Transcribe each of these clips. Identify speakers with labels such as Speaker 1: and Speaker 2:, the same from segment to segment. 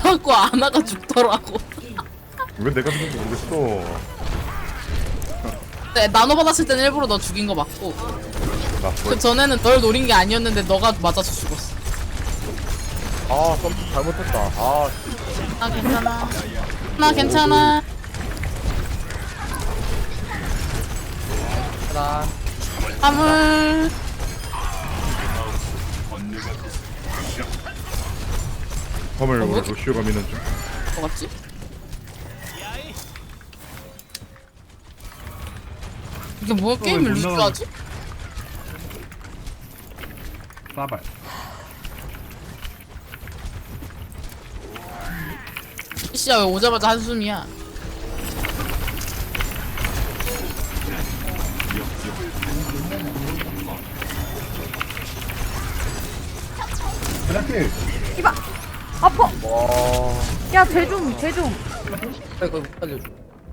Speaker 1: 맞고 아나가 죽더라고.
Speaker 2: 왜 내가 죽는지 모르겠어.
Speaker 1: 네, 나눠 받았을 땐 일부러 너 죽인 거 맞고
Speaker 2: 나
Speaker 1: 그 전에는 널 노린 게 아니었는데 너가 맞아서 죽었어.
Speaker 3: 아, 좀 잘못했다. 아,
Speaker 1: 나 괜찮아. 나 괜찮아.
Speaker 3: 나
Speaker 1: 화물.
Speaker 2: 화물
Speaker 1: 뭐?
Speaker 2: 로시오가 미는 중.
Speaker 1: 뭐 같지? 이게 뭐야 게임을
Speaker 4: 못
Speaker 1: 루즈하지?
Speaker 4: 싸발.
Speaker 1: 씨야 왜 오자마자 한숨이야?
Speaker 4: 그렇게.
Speaker 5: 이봐 아파.
Speaker 3: 와,
Speaker 5: 야 쟤좀
Speaker 3: 이거 살려줘.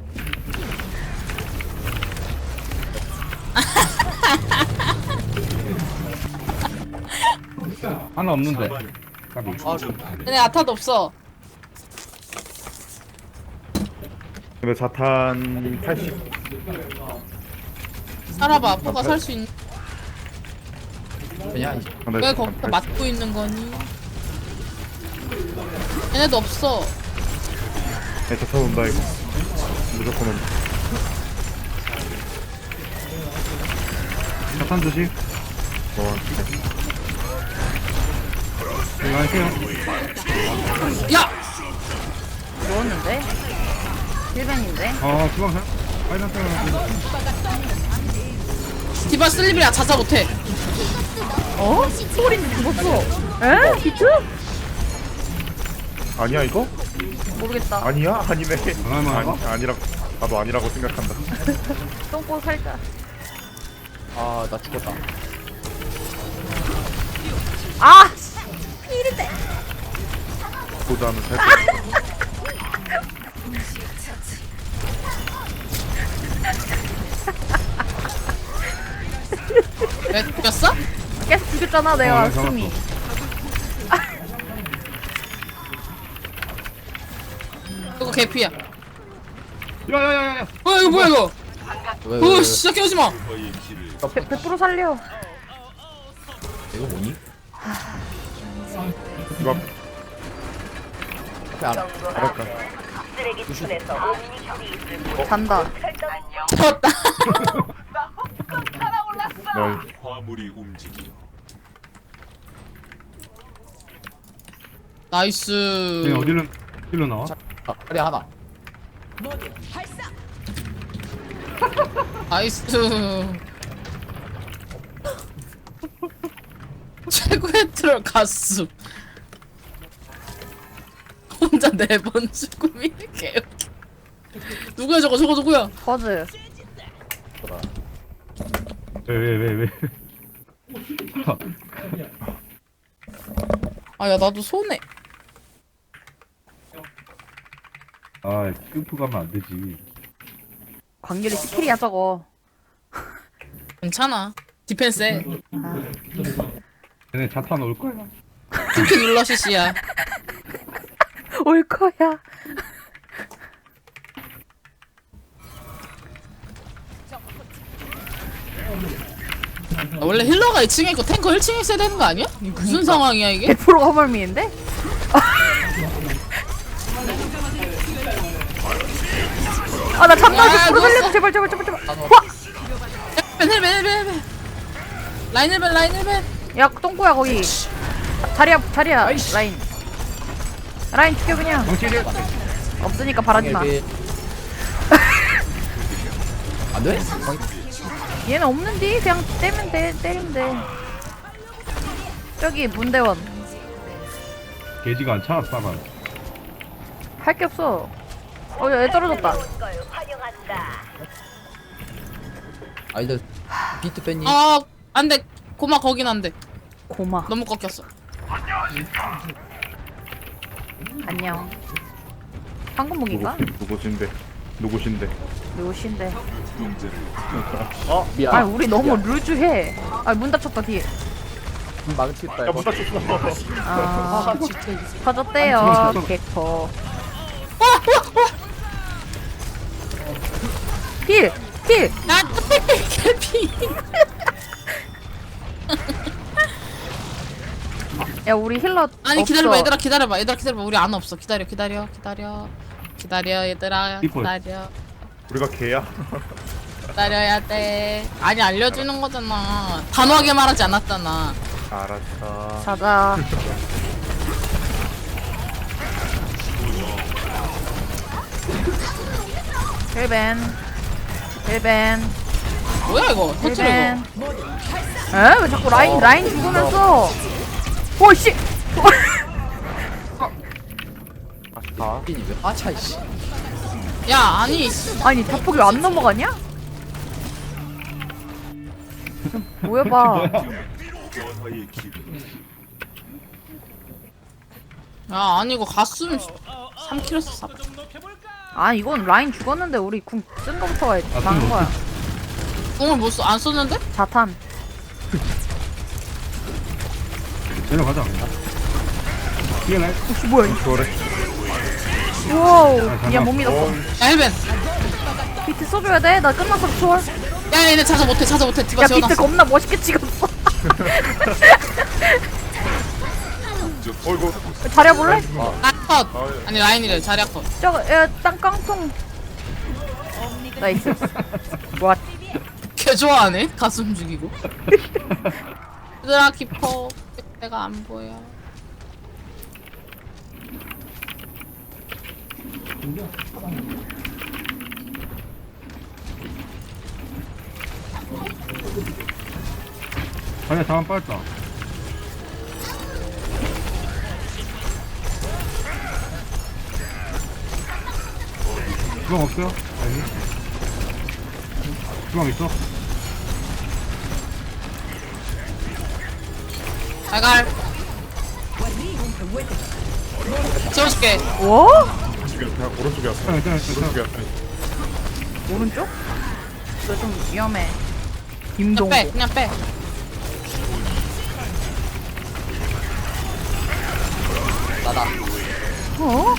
Speaker 4: 하나 없는데. 까비.
Speaker 3: 아,
Speaker 1: 얘네 아타도 없어.
Speaker 2: 근데 자탄 80.
Speaker 1: 살아봐. 아빠가 살 수 있는.
Speaker 3: 그냥
Speaker 2: 근데
Speaker 1: 왜
Speaker 2: 자탄
Speaker 1: 거기서
Speaker 2: 80.
Speaker 1: 맞고 있는 거니? 얘네도 없어.
Speaker 2: 네, 자탄 온다 이거. 무조건 온다.
Speaker 4: 자탄 조심. 이거 할게요.
Speaker 1: 야!
Speaker 5: 누웠는데 1벤인데
Speaker 4: 주방사. 빨간 사람.
Speaker 1: 디바 슬립이야. 자자 못해.
Speaker 5: 어? 소린지 죽었어. 에? 비트?
Speaker 2: 아니야 이거?
Speaker 5: 모르겠다.
Speaker 2: 아니야? 아니네.
Speaker 4: 얼마나?
Speaker 2: 아니라고. 나도 아니라고 생각한다.
Speaker 5: 똥꼬 살짝.
Speaker 3: 아, 나 죽었다.
Speaker 5: 아! 피리대.
Speaker 2: 보자는 살.
Speaker 1: 왜 죽였어?
Speaker 5: 계속 죽였잖아 내가
Speaker 4: 잡았어.
Speaker 5: 숨이.
Speaker 1: 이거 개피야.
Speaker 4: 야야야야.
Speaker 1: 이거 뭐야 이거?
Speaker 3: 왜?
Speaker 1: 진짜 깨우지 마.
Speaker 5: 100% 살려.
Speaker 3: 이거 뭐니?
Speaker 2: 이거
Speaker 3: 앞에 알아.
Speaker 2: 알았다.
Speaker 5: 잔다.
Speaker 1: 잡았다.
Speaker 2: 널
Speaker 6: 화물이 움직여
Speaker 1: 나이스.
Speaker 4: 쟤 어디로 나와?
Speaker 3: 아, 다리 하나.
Speaker 1: 나이스. 최고의 트롤 가수. 혼자 4번 죽음이 개웃기. 누구야 저거 누구야?
Speaker 5: 버즈.
Speaker 4: 왜?
Speaker 1: 아 야 나도 손해.
Speaker 4: 아, 큐프 가면 안 되지.
Speaker 5: 광길이 스킬이야 저거.
Speaker 1: 괜찮아. 디펜스해.
Speaker 4: 쟤네 자탄 올 거야.
Speaker 1: 특히 눌러 시시야.
Speaker 5: 올 거야.
Speaker 1: 원래 힐러가 2층에 있고 탱커 1층에 있어야 되는 거 아니야? 이게 무슨 상황이야 이게?
Speaker 5: 100% 허멀미인데? 아 나 잠깐
Speaker 1: 야,
Speaker 5: 100% 살려줘
Speaker 1: 누웠어.
Speaker 5: 제발.
Speaker 1: 헬벤. 라인 헬벤.
Speaker 5: 야 똥꼬야 거기. 자리야 라인 죽여 그냥.
Speaker 4: 정치를.
Speaker 5: 없으니까 바라지 마.
Speaker 3: 안 돼?
Speaker 5: 얘는 없는디 그냥 때리면 돼. 저기 문대원
Speaker 4: 게지가 안 차, 싸발.
Speaker 5: 할 게 없어. 얘 떨어졌다.
Speaker 3: 아, 이제 비트 뺐니?
Speaker 1: 아 안돼. 고마 거긴 안돼.
Speaker 5: 고마.
Speaker 1: 너무 꺾였어.
Speaker 5: 안녕. 황금무기가?
Speaker 2: 누구신데?
Speaker 5: 요신데.
Speaker 3: 어, 미안.
Speaker 5: 아 우리 너무 루즈해. 문 닫혔다 뒤에.
Speaker 3: 망치겠다
Speaker 2: 야,
Speaker 3: 이거.
Speaker 2: 못 다쳤어.
Speaker 5: 아,
Speaker 3: 진짜.
Speaker 5: 터졌대요, 개코. 힐! 힐!
Speaker 1: 야, 개피.
Speaker 5: 야, 우리 힐러.
Speaker 1: 아니
Speaker 5: 없어.
Speaker 1: 기다려봐 얘들아 기다려봐 우리 안 없어 기다려 얘들아
Speaker 4: 이뻐.
Speaker 1: 기다려
Speaker 2: 우리가 개야?
Speaker 1: 기다려야 돼 아니 알려주는 거잖아 단호하게 말하지 않았잖아
Speaker 2: 알았어.
Speaker 5: 자자. 힐벤.
Speaker 1: 뭐야 이거 터치를
Speaker 5: 힐벤.
Speaker 1: 이거
Speaker 5: 에? 왜 자꾸 라인 죽으면서. 오씨!
Speaker 2: 아,
Speaker 3: 빈이 왜 빠차 이씨.
Speaker 1: 야 아니
Speaker 5: 아니, 자폭이 왜 안 넘어가냐? 모여봐.
Speaker 1: 야 아니 이거 갔으면 3kg 써
Speaker 5: 아, 이건 라인 죽었는데 우리 궁 쓴 거부터가 망한 거야.
Speaker 1: 공을 못 써, 안 썼는데?
Speaker 5: 자탄.
Speaker 4: 내려가자. 뒤에 날.
Speaker 5: 혹시 뭐야?
Speaker 2: 그래.
Speaker 5: 우와우. 미안, 못 믿었어.
Speaker 1: 야 헬벤
Speaker 5: 비트 써줘야 돼? 나 끝났어, 초월.
Speaker 1: 야 얘네 찾아 못해 디바
Speaker 5: 야, 비트
Speaker 1: 재워놨어
Speaker 5: 겁나 멋있게 찍었어.
Speaker 2: 어이구.
Speaker 5: 잘해볼래?
Speaker 1: 컷 아니 라인이래 자리야 컷
Speaker 5: 저거, 야, 땅깡통. 나이스. 와,
Speaker 1: 개 좋아하네 가슴 죽이고 얘들아 키퍼 내가 안 보여
Speaker 4: 아니야, 다음 빠졌다. 주방 없어요? 아니. 주방 있어?
Speaker 1: 잘갈 재워줄게
Speaker 5: 뭐?
Speaker 2: 그냥 오른쪽에 왔어.
Speaker 4: 괜찮아.
Speaker 2: 오른쪽에 왔어.
Speaker 5: 오른쪽? 이거 좀 위험해.
Speaker 1: 그냥
Speaker 5: 김동.
Speaker 1: 빼 그냥 빼
Speaker 3: 나다.
Speaker 5: 어?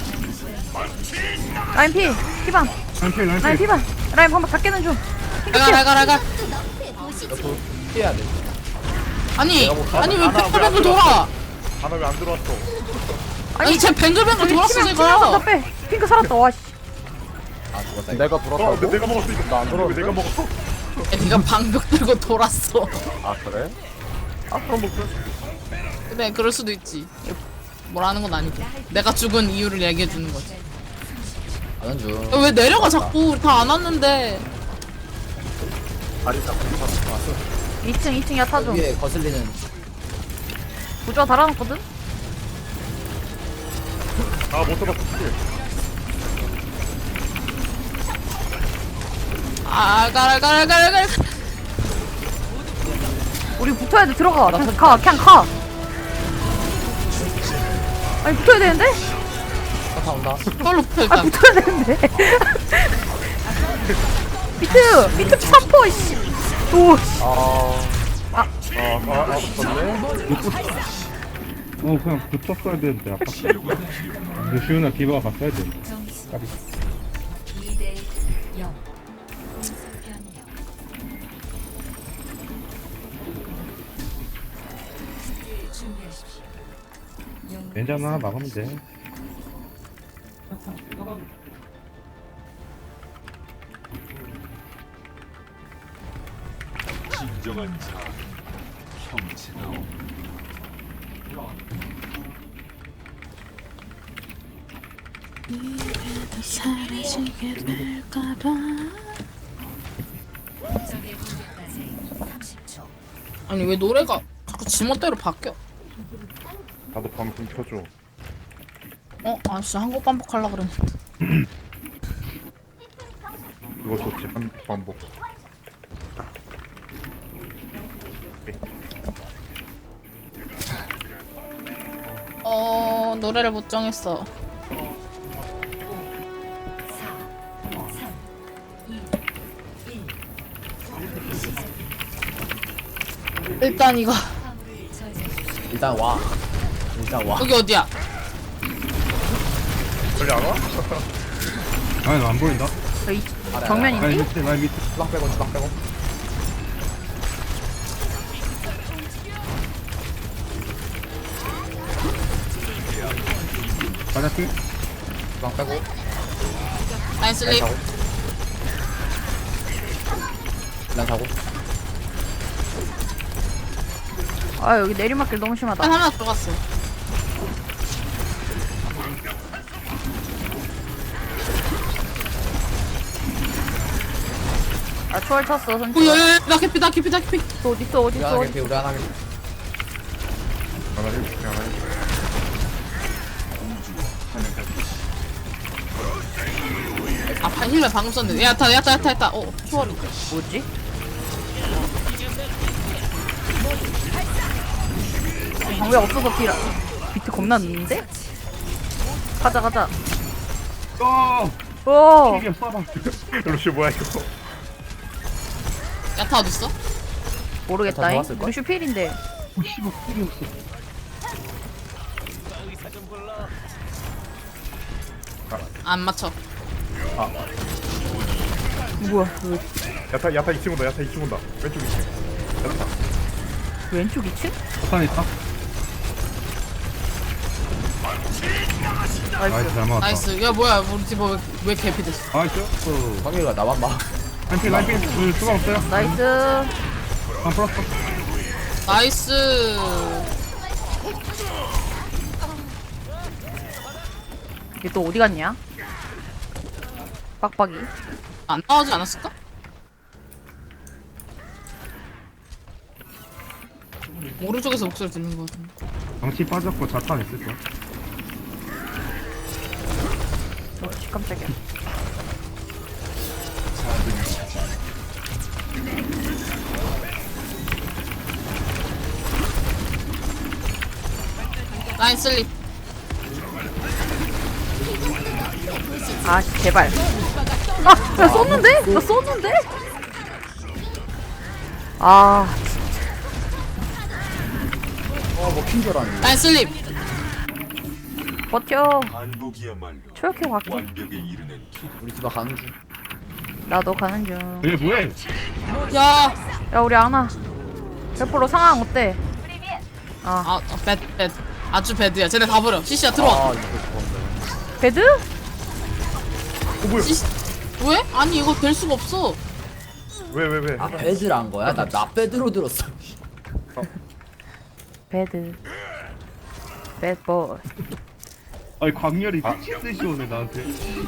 Speaker 5: 라인 피, 피방. 라인 피방. 라인 방금 다 깨는 중.
Speaker 1: 잘갈
Speaker 3: 피해야 돼.
Speaker 1: 아니
Speaker 2: 내가
Speaker 1: 아니 왜
Speaker 2: 하나
Speaker 1: 뱅글뱅글 돌아
Speaker 2: 하나 왜 안 들어왔어?
Speaker 1: 아니 쟤 뱅글뱅글 돌았어
Speaker 5: 치명 다
Speaker 1: 제가
Speaker 5: 빼. 핑크 살았다. 와 씨.
Speaker 3: 아 죽었다. 내가
Speaker 2: 어, 근데 내가 먹었어 이거. 나안 들어. 왜 내가 먹었어?
Speaker 1: 야, 네가 방벽 들고 돌았어
Speaker 2: 아 그래? 아 그럼 뭐 그래.
Speaker 1: 그래 그럴 수도 있지 뭐라는 건 아니고 내가 죽은 이유를 얘기해 주는 거지
Speaker 3: 가는 중.
Speaker 1: 야, 왜 내려가 자꾸 우리 다 안 왔는데
Speaker 2: 다리 잡고 왔어.
Speaker 5: 2층 야타 좀.
Speaker 3: 위에 거슬리는.
Speaker 5: 부조화 달아놨거든?
Speaker 2: 아못 잡았어.
Speaker 1: 갈
Speaker 5: 우리 붙어야 돼. 들어가. 그냥 가. 아니, 붙어야 되는데?
Speaker 3: 다 온다.
Speaker 1: 그걸로 붙어
Speaker 5: 아,
Speaker 1: 일단
Speaker 5: 붙어야 되는데. 비트 사포, 씨. 오, 씨.
Speaker 2: 붙었네.
Speaker 4: 그냥 붙었어야 되는데, 아까. 근데 시윤아 디바가 갔어야 돼. 까비. 괜찮아, 하나 막으면 돼.
Speaker 1: 사라지게 될까봐 아니 왜 노래가 자꾸 지멋대로 바뀌어
Speaker 2: 나도 방금 켜줘.
Speaker 1: 아 진짜 한국 반복하려고 그랬는데
Speaker 2: 그거 좋지 한 방법.
Speaker 1: 노래를 못 정했어 일단 이거
Speaker 3: 일단 와. 일단 와.
Speaker 1: 여기 어디야?
Speaker 2: 빨리 안 와?
Speaker 4: 아니 나 안 보인다.
Speaker 5: 저희
Speaker 3: 아래,
Speaker 4: 라인
Speaker 5: 정면인지?
Speaker 4: 밑에 라인 밑에.
Speaker 3: 주방 빼고 주방 빼고.
Speaker 4: 맞았지?
Speaker 3: 주방 빼고.
Speaker 1: 라인
Speaker 3: 라인
Speaker 1: 슬립.
Speaker 3: 타고. 라인 타고.
Speaker 5: 아 여기 내리막길 너무 심하다.
Speaker 1: 한 하나 들어갔어.
Speaker 5: 아 초월 쳤어
Speaker 1: 오,
Speaker 5: 선수.
Speaker 1: 야야야, 나 캐피, 나 캐피, 나 캐피.
Speaker 5: 어디 있어 어디
Speaker 3: 우리
Speaker 5: 있어
Speaker 3: 하나
Speaker 5: 어디?
Speaker 3: 개피 우리 하나 개피.
Speaker 2: 하나 해줄게 하나 해줄게.
Speaker 1: 아, 힐러 방금 썼는데. 야타, 야타, 야타, 야타. 초월이.
Speaker 5: 뭐지? 방벽 없어서 비라. 비트 겁나 늦는데? 가자 가자.
Speaker 4: 어.
Speaker 5: 오.
Speaker 4: 이게 쏴봐.
Speaker 2: 루시 뭐야 이거?
Speaker 1: 야타 어딨어?
Speaker 5: 모르겠다잉.
Speaker 3: 좋았을걸?
Speaker 5: 루슈 필인데.
Speaker 4: 오 씨발 필이 없어.
Speaker 1: 안 맞춰.
Speaker 5: 뭐야?
Speaker 2: 야타 2층 온다 야타 2층 온다 왼쪽 2층 야타
Speaker 5: 왼쪽 2층?
Speaker 4: 포탄 있다. 나이스
Speaker 5: 나이스.
Speaker 4: 잘 맞았다.
Speaker 1: 나이스. 야, 뭐야. 우리 팀 왜 개피 됐어?
Speaker 4: 나이스. 어.
Speaker 3: 성일이가 나만 봐.
Speaker 4: 라인 필 우리 수가 없어요.
Speaker 5: 나이스.
Speaker 4: 안 풀었어.
Speaker 1: 나이스.
Speaker 5: 얘 또 어디 갔냐? 빡빡이.
Speaker 1: 안 나오지 않았을까? 오른쪽에서 목소리 들리는 것 같은데.
Speaker 4: 정치 빠졌고 자탄 있을 거야.
Speaker 5: 씨 깜짝이야.
Speaker 1: 라인 슬립.
Speaker 5: 아 씨, 제발. 아, 나 썼는데? 나 썼는데? 아,
Speaker 3: 먹힌 줄 알았는데.
Speaker 1: 라인 슬립.
Speaker 5: 버텨.
Speaker 6: 반복이야말로
Speaker 5: 초역해 갈게.
Speaker 6: 완벽에 이르는
Speaker 3: 우리 집에 가는 중.
Speaker 5: 나도 가는 중.
Speaker 4: 얘 뭐해?
Speaker 1: 야.
Speaker 5: 야, 우리 아나. 100% 상황 어때?
Speaker 1: 아, 배드. 아주 배드야. 쟤네 다 버려. CC야 들어와.
Speaker 3: 아 이거 좋은데.
Speaker 5: 배드?
Speaker 1: CC. 왜? 아니 이거 될 수가 없어.
Speaker 2: 왜?
Speaker 3: 아 배드를 한 거야? 나 배드로 들었어.
Speaker 5: 배드. 배드보이.
Speaker 4: 아니 광렬이 미친 듯이 오네 나한테.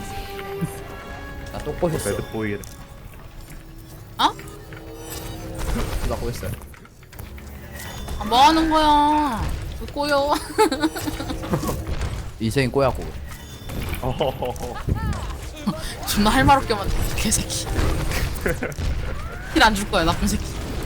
Speaker 3: 나 또 꼬셨어.
Speaker 2: 배드보이래
Speaker 1: 어?
Speaker 3: 누가 꼬였어요?
Speaker 1: 아, 뭐 하는 거야? 왜 꼬여?
Speaker 3: 인생이 꼬였고.
Speaker 1: 존나 할 말 없게 만든 개새끼. 힐 안 줄 거야 나쁜 새끼.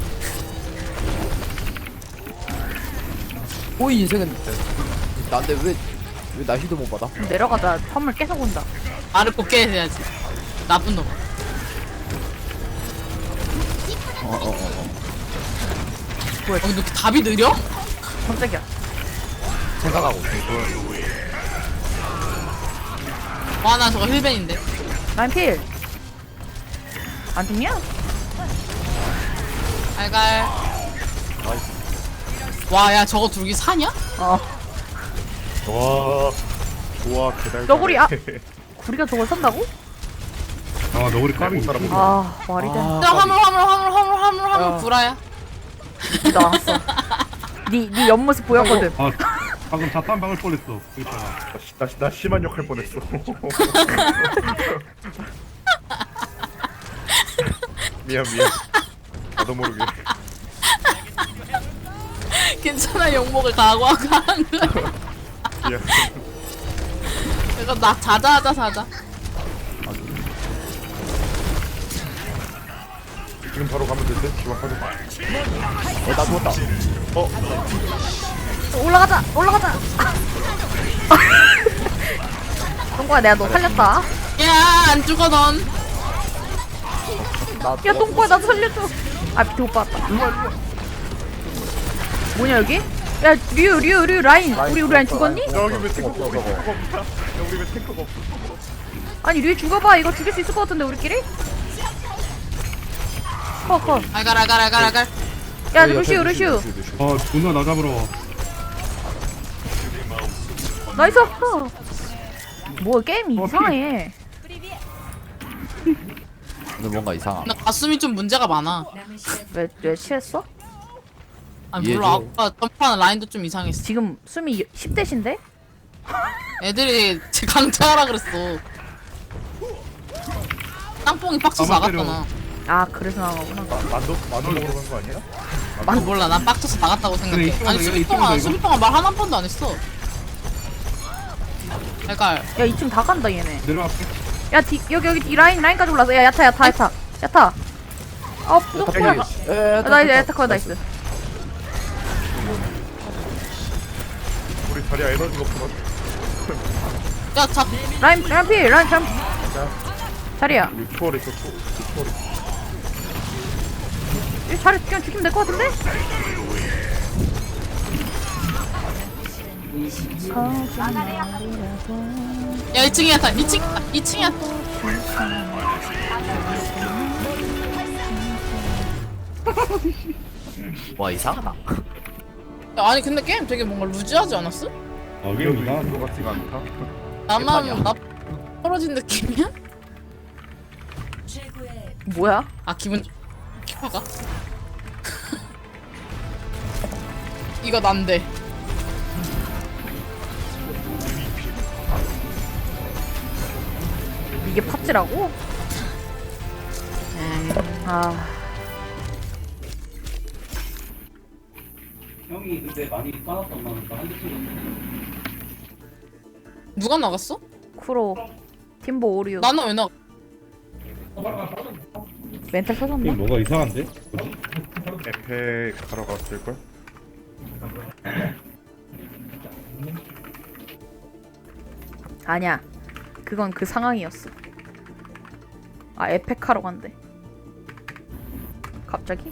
Speaker 3: 꼬이 인생은 나인데 왜 나 힐도 못 받아?
Speaker 5: 내려가자. 선물 계속 온다.
Speaker 1: 말을 곱게 해야지. 나쁜 놈. 뭐야? 너 이렇게 답이 느려?
Speaker 5: 깜짝이야.
Speaker 3: 생각하고.
Speaker 1: 와 나 저거 힐벤인데.
Speaker 5: 라인 필. 안 죽냐?
Speaker 1: 알갈. 와 야 저거 둘기 사냐?
Speaker 5: 어.
Speaker 2: 좋아 개달
Speaker 5: 너구리, 아! 우리가 저걸 산다고?
Speaker 4: 아 너구리 까비.
Speaker 5: 아, 말이 돼.
Speaker 1: 야 화물 구라야.
Speaker 5: 니 나왔어. 니 옆모습 보였거든.
Speaker 4: 아 방금 자탄 박을 뻔했어. 여기다가.
Speaker 2: 나 심한 욕 할 뻔했어 미안 나도 모르게
Speaker 1: 괜찮아 욕먹을 각오하고 한 거야.
Speaker 2: 미안
Speaker 1: 이거 나 자자.
Speaker 2: 지금 바로 가면 될 듯? 지금 빠져
Speaker 3: 나 죽었다.
Speaker 5: 올라가자. 똥꼬야, 내가 너 살렸다.
Speaker 1: 야 안 죽어 넌.
Speaker 5: 야, 똥꼬야, 나도 살려줘. 아, 밑에 오빠 왔다. 뭐냐, 여기? 야 류 라인 우리 라인 죽었니?
Speaker 2: 여기 왜 탱커가 없어? 야 우리 왜 탱커가 없어?
Speaker 5: 아니 류 죽어봐. 이거 죽일 수 있을 것 같은데 우리끼리? 컷.
Speaker 1: 알갈.
Speaker 5: 야 루시우.
Speaker 4: 누나 나 잡으러 와.
Speaker 5: 나이스. 뭐 게임이 이상해.
Speaker 3: 근데 뭔가 이상함.
Speaker 1: 나 가슴이 좀 문제가 많아.
Speaker 5: 왜 취했어?
Speaker 1: 아니
Speaker 3: 이해해.
Speaker 1: 몰라 아까 점프하는 라인도 좀 이상했어.
Speaker 5: 지금 숨이 10대신데?
Speaker 1: 애들이 제 강퇴하라 그랬어. 땅뽕이 빡쳐서
Speaker 4: 가만 때려.
Speaker 1: 나갔잖아.
Speaker 5: 아 그래서 나가구나.
Speaker 2: 만두 먹으러 간 거 아니야?
Speaker 1: 아, 몰라 난 빡쳐서 나갔다고 생각해.
Speaker 4: 그래,
Speaker 1: 아니
Speaker 4: 이쪽으로
Speaker 1: 수비 동안
Speaker 4: 이쪽으로
Speaker 1: 말 한 번도 안 했어. 그러니까
Speaker 5: 야 2층 다 간다 얘네.
Speaker 4: 내려갈게.
Speaker 5: 야 여기 이 라인까지 올라서. 야 야타. 부족해. 나이스 야타 나이스.
Speaker 2: 우리 자리야 에너지가 없어.
Speaker 1: 야 자,
Speaker 5: 라인 필 라인 참. 자리야.
Speaker 2: 우리 투어를 있었어. 투어를.
Speaker 5: 이 자리 그냥 죽이면 될 것 같은데?
Speaker 1: 야 2층이야 다 2층이야.
Speaker 3: 와 이상하다.
Speaker 1: 야, 아니 근데 게임 되게 뭔가 루즈하지 않았어?
Speaker 4: 게임 이상한
Speaker 2: 것 같지가 않다.
Speaker 1: 나만 나 떨어진 느낌이야?
Speaker 5: 뭐야?
Speaker 1: 아 기분 키파가? 이거 난데.
Speaker 5: 이게 팝지라고? 아
Speaker 4: 형이 근데 많이 까놨던 거니까 한대 치고.
Speaker 1: 누가 나갔어?
Speaker 5: 쿠로 팀보 오류
Speaker 1: 나는 왜 나가?
Speaker 5: 멘탈 터졌나?
Speaker 4: 게임 뭐가 이상한데?
Speaker 2: 에페 가러 갔을 걸.
Speaker 5: 아니야 그건 그 상황이었어. 아 에펙하러 간대. 갑자기?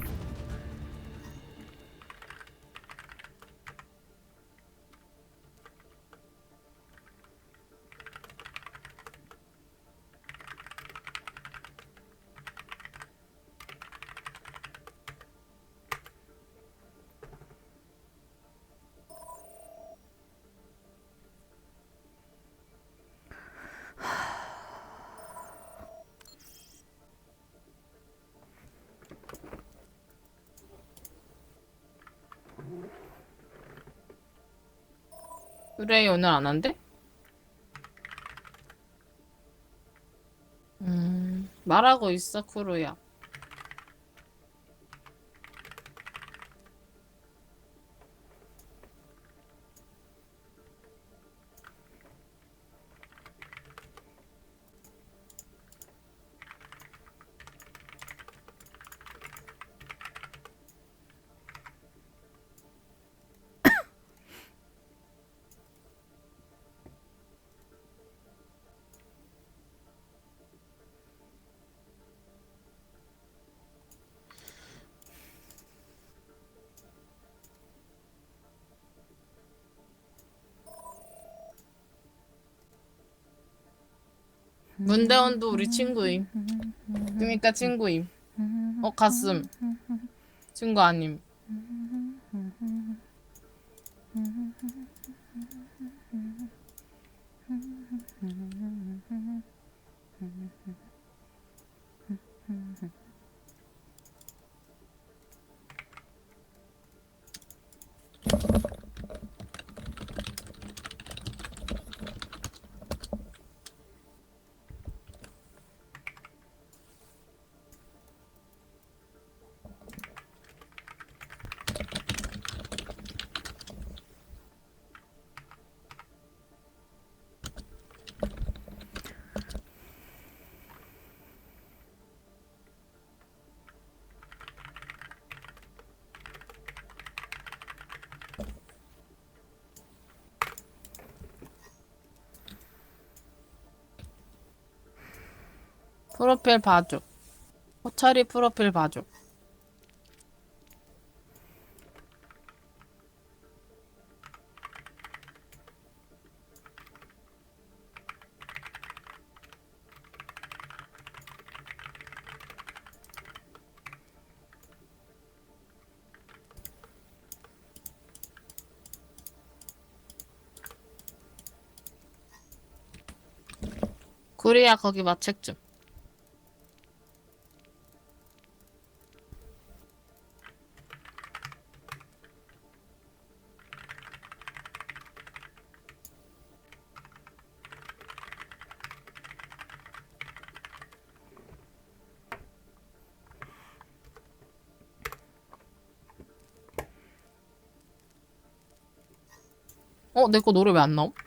Speaker 1: 그래 오늘 안 한대? 말하고 있어 쿠루야. 문대원도 우리 친구임. 그니까 친구임. 가슴. 친구 아님. 프로필 봐줘. 호차리 프로필 봐줘. 구리야 거기 마책 좀. 내 거 노래 왜 안 나옴?